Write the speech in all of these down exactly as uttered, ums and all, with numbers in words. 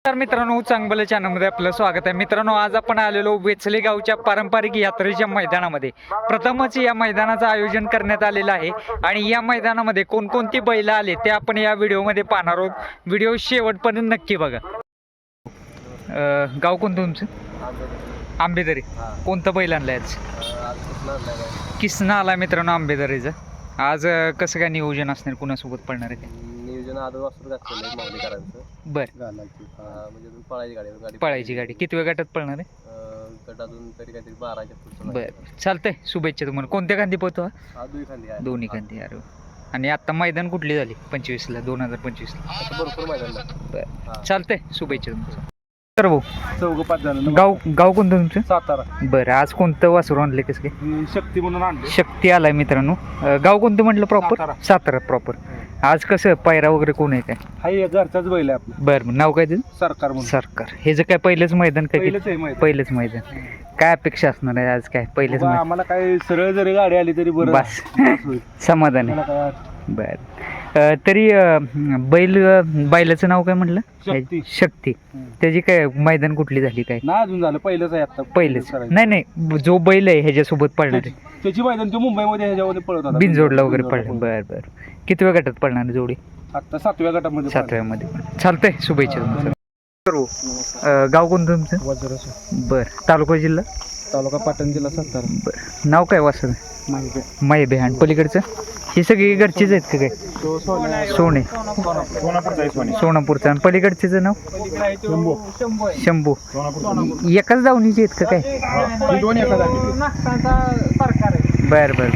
तर मित्रांनो, चांगलं चॅनलमध्ये आपलं स्वागत आहे. मित्रांनो, आज आपण आलेलो वेचले गावच्या पारंपरिक यात्रेच्या मैदानामध्ये. प्रथमच या मैदानाचं आयोजन करण्यात आलेलं आहे आणि या मैदानामध्ये कोणकोणती बैल आले ते आपण या व्हिडिओमध्ये पाहणार आहोत. व्हिडिओ शेवटपर्यंत नक्की बघा. अं, गाव कोणतं तुमचं? आंबेदरी. कोणतं बैल आणलं आज? किसना आला मित्रांनो आंबेदरीचं. आज अं, कसं काय नियोजन असणार, कुणासोबत पडणार आहे ते? नियोजन आदर वासरू घातलेलं आहे माऊलीकरांचं. बर, घालायची म्हणजे अजून पळायची गाडी गाडी पळायची गाडी किती वेळ गटात पळणार आहे? अं, गट अजून तरी काहीतरी बाराच्या पुढचं बर, चालतंय. शुभेच्छा तुम्हाला. कोणत्या खांदी पोहतो हा? हा दुई खांदी आहे. दोन्ही खांदी. अरे वा. आणि आता मैदान कुठली झाली? पंचवीसला, दोन हजार पंचवीसला. असं भरपूर मैदान आहे. बर, चालतंय. शुभेच्छा तुमचं. तर भाऊ, चौघ पाच जण. गाव गाव कोणतं तुमचं? सातारा. बरं, आज कोणतं वासरू आणले कसं काय? ही शक्ती म्हणून आणले. शक्ती आलाय मित्रांनो. अं, गाव कोणतं म्हटलं प्रॉपर? सातारा. सातारा प्रॉपर. आज कसं पायरा वगैरे कोण आहे काय? हा एक घरचाच बैल आहे आपला. बरं बरं, नाव काय त्याचं? सरकार म्हणून. सरकार. हे जे काय पहिलंच मैदान काय? पहिलंच आहे मैदान. पहिलंच मैदान. काय अपेक्षा असणार आहे आज? काय पहिलेच बाबा, आम्हाला काय सरळ जरी गाडी आली तरी बरं बस. होईल. समाधान आहे. मला काय बर. अं, तरी अं, बैल अं, बैलाचं नाव काय म्हटलं? शक्ती. शक्ती. हम्म. त्याची काय मैदान कुठली झाली काय? नाही अजून झालं, पहिलंच आहे आता. पहिलेच. करायचं. नाही नाही, जो बैल आहे ह्याच्यासोबत पळणार आहे. त्याची त्याची मैदान तो मुंबईमध्ये ह्याच्यामध्ये पळत होता. बिनजोडला वगैरे बिनजोडला पडलं. बर बर. किती वेळ गटात पडणार आहे जोडी? आता सातव्या गटामध्ये पळाला. सातव्यामध्ये. चालतंय. शुभेच्छा तुमचं. अं, गाव कोणतं तुमचं? वज्रस. बर. तालुका जिल्हा? तालुका पाटण, जिल्हा सातारा. बर. नाव काय वासर? माहिती माहिबे. आणि पलीकडचं ही सगळी घरचीच आहेत का काय? तो सोन्या सोने. सोनापूरचा आहे. सोन्या सोनापूरचं. आणि पलीकडचं नाव? शंभू. शंभू. सोनापूर. एकाच दावणीचे आहेत का काय? ही दोन एका जागी. बर बर.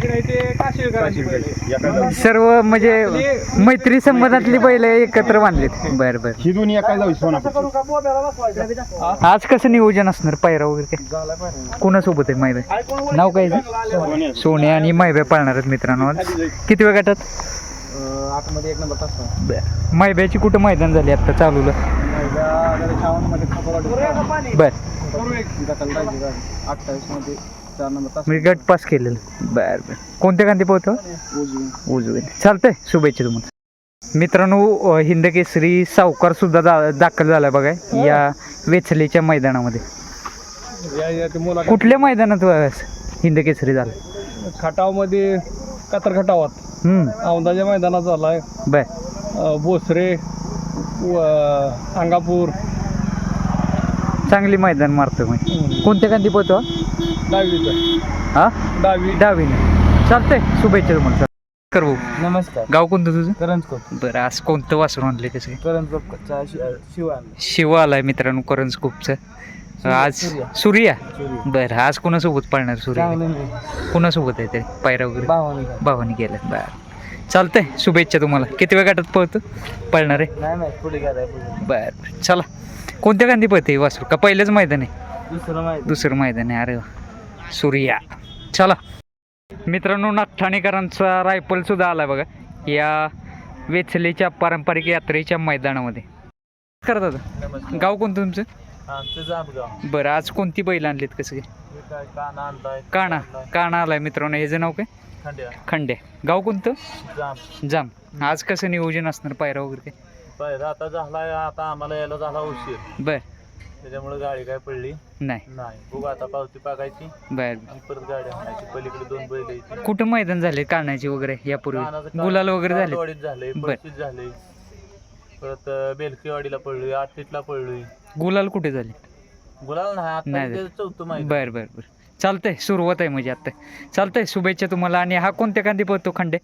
सर्व म्हणजे मैत्री संबंधातली बैल एकत्र बांधलीत. बर बर. ही दोन्ही एका जावी. सोनापूर. आज कसं नियोजन असणार? पायरा वगैरे काय कोणासोबत आहे? मायबे. नाव काय आहे? सोन्या. सोने आणि मायबे पाळणार आहेत मित्रांनो. आज किती वेळ गटात? आतमध्ये एक नंबर तास. बर. मायब्याची कुठं मैदान झाली आता चालूला? बर. अठ्ठावीस मध्ये चार नंबर तास. मी गट पास केलेलं. बर बर. कोणत्या गांधी पोहतो? उजवे. चालतंय. शुभेच्छा तुम्हाला. मित्रांनो, हिंद केसरी सावकार सुद्धा दा दाखल झाला बघा या वेचलेच्या मैदानामध्ये. कुठल्या मैदानात हिंद केसरी झाला? खटाव मध्ये कातर खटावात हम्म. औंधाच्या मैदानात झालाय. बर. भोसरे, अंगापूर. चांगली मैदान मारतोय मग. कोणत्या गांधी पोहतो? दहावीचा. हा, दहावी. डावीने. चालतंय. शुभेच्छा तुम्हाला. कर भाऊ. नमस्कार. गाव कोणतं तुझं? करंजकोप. बरं. आज कोणतं वासरू आणले कसं काय? करंजकोपचा शिवा. शिव आलाय मित्रांनो करंजकोपचं. आज सूर्या. बरं. आज कोणासोबत पळणार सूर्या? कोणासोबत आहे ते पायरा वगैरे? भावानी गेलं. बरं, चालतंय. शुभेच्छा तुम्हाला. किती वेळ गटात पळतो पळणार आहे? नाही नाही पुढे गेलाय. बरं, चला. कोणत्या गांधी पळते वासरू का पहिलंच मैदान आहे? दुसरं माहिती. दुसरं मैदान आहे. अरे वा. सूर्या. चला मित्रांनो, नागठाणेकरांचा रायफल सुद्धा आलाय बघा या वेचलेच्या पारंपरिक यात्रेच्या मैदानामध्ये. करतात. गाव कोणतं तुमचं? बरं. आज कोणती बैल आणलीत कसं काय? काणा. काणा आलाय मित्रांनो. ह्याचं नाव काय? खंड्या. गाव कोणतं? जाम. आज कसं नियोजन असणार पायरा वगैरे काय? पायरा आता झालाय. आता आम्हाला यायला झाला उशीर, बर. त्याच्यामुळे गाडी काय पडली नाही. नाही. बघू आता पावती पाकायची बर. आणि परत गाडी आणायची. पलीकडे दोन बैल आहेत. कुठं मैदान झाले काढण्याची वगैरे यापूर्वी? गुलाल वगैरे झाले? वाडीत झाले, पळशीत झाले, परत बेलकीवाडीला पडलोय, आठटीतला पडलोय. गुलाल कुठे झाले? गुलाल नाही आता. नाही ते चौथं माहिती. बर बर बर. चालतंय. सुरुवात आहे म्हणजे आता. चालतंय. शुभेच्छा तुम्हाला. आणि हा कोणत्या कांदी पळतो? खंडे.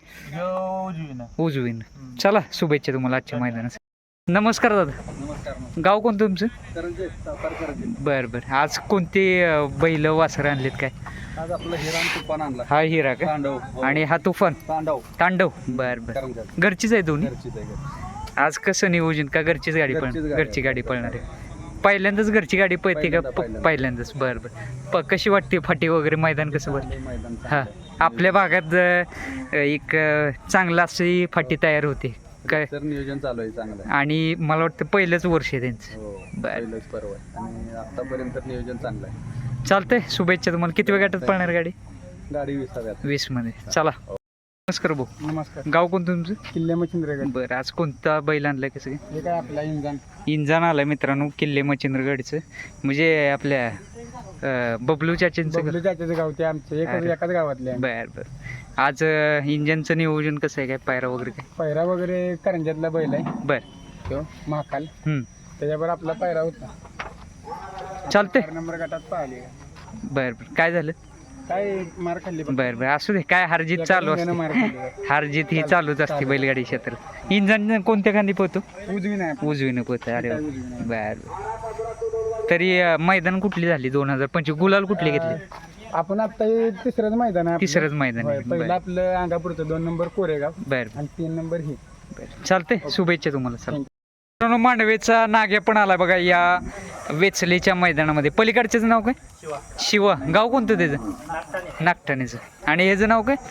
उजवीन. चला, शुभेच्छा तुम्हाला आजच्या मैदानात. नमस्कार दादा. नमस्कार. गाव कोणतं तुमचं? करंजे. सातारा करंजे. बर बर. आज कोणते अं, बैल वासरं आणलेत काय? आज आपला हिरा आणि तुफान आणला. हा हिरा का? तांडव. आणि हा तुफान. तांडव. तांडव. बर बर. करंजात. घरचीच आहे दोन्ही? घरचीच आहे घरची. आज कसं नियोजन का घरचीच गाडी घरचीच पळ गाडी घरची गाडी पळणार आहे? पहिल्यांदाच घरची गाडी पळते का? पहिल्यांदा, प- पहिल्यांदा. पहिल्यांदाच. बरं बरं. प कशी वाटते फाटी वगैरे मैदान कसं बरं? मैदान हां, आपल्या भागात अं, एक अं, चांगला अशी फाटी तयार होते काय? तर नियोजन चालू आहे चांगलं. आणि मला वाटतं पहिलंच वर्ष आहे त्यांचं. हो, बरं. पहिलंच पर्व आहे आणि आतापर्यंत नियोजन चांगलं आहे. चालतंय. शुभेच्छा तुम्हाला. किती वेळ गटात पळणार गाडी? गाडी विसाव्यात. वीस मध्ये. चला. नमस्कार भाऊ. नमस्कार. गाव कोणतं तुमचं? किल्ले मच्छिंद्रगड. बरं, आज कोणता बैल आणलाय कसं काय? हे काय आपला इंजन. इंजन आलाय मित्रांनो किल्ले मच्छिंद्रगडचं, म्हणजे आपल्या अं, बबलू चाचींचं बबलू चाच्याचं गाव ते आमचं एकच अरे. एकाच गावातले आहे. बर बर. आज अं, इंजनचं नियोजन कसं आहे, काय पायरा वगैरे काय? पैरा वगैरे करंजातला बैल आहे बर. तो महाकाल. हम्म. त्याच्यावर आपला पैरा होता. चालतंय. चार नंबर गटात पाहिले. बर बर. काय झालं? काय मार खाल्ली पण. बर बर, असू दे. काय हारजीत चालू एका इंजानं मार असते, खाल्ली. हारजीत ही चालू- चालूच असते चालू. बैलगाडी क्षेत्रात. इंजन कोणत्या खांदी पोहतो? उजवी नाही. उजवीनं पोहतं. अरे वा. उजवी नाही. बर बर. तरी अं, मैदान कुठली झाली दोन हजार पंचवीस? गुलाल कुठली घेतली? आपण आता हे तिसरंच मैदान आहे आपलं. तिसरंच मैदान आहे. होय, पहिलं बर आपलं अंगापूरचं दोन नंबर कोरेगाव बर आणि तीन नंबर ही. बर. चालतंय. शुभेच्छा तुम्हाला. चला मित्रांनो, मांडवेचा नाग्या पण आला बघा या वेचलेच्या मैदानामध्ये. पलीकडच्याचं नाव काय? शिवा. गाव कोणतं त्याचं? नागठाणेचं. आणि ह्याचं नाव काय?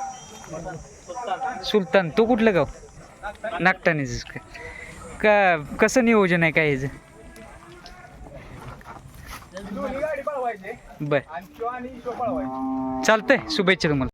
सुलतान. तो कुठलं गाव? नागठाणेचं काय? का कसं नियोजन आहे काय ह्याचं? बर. चालतंय. शुभेच्छा तुम्हाला.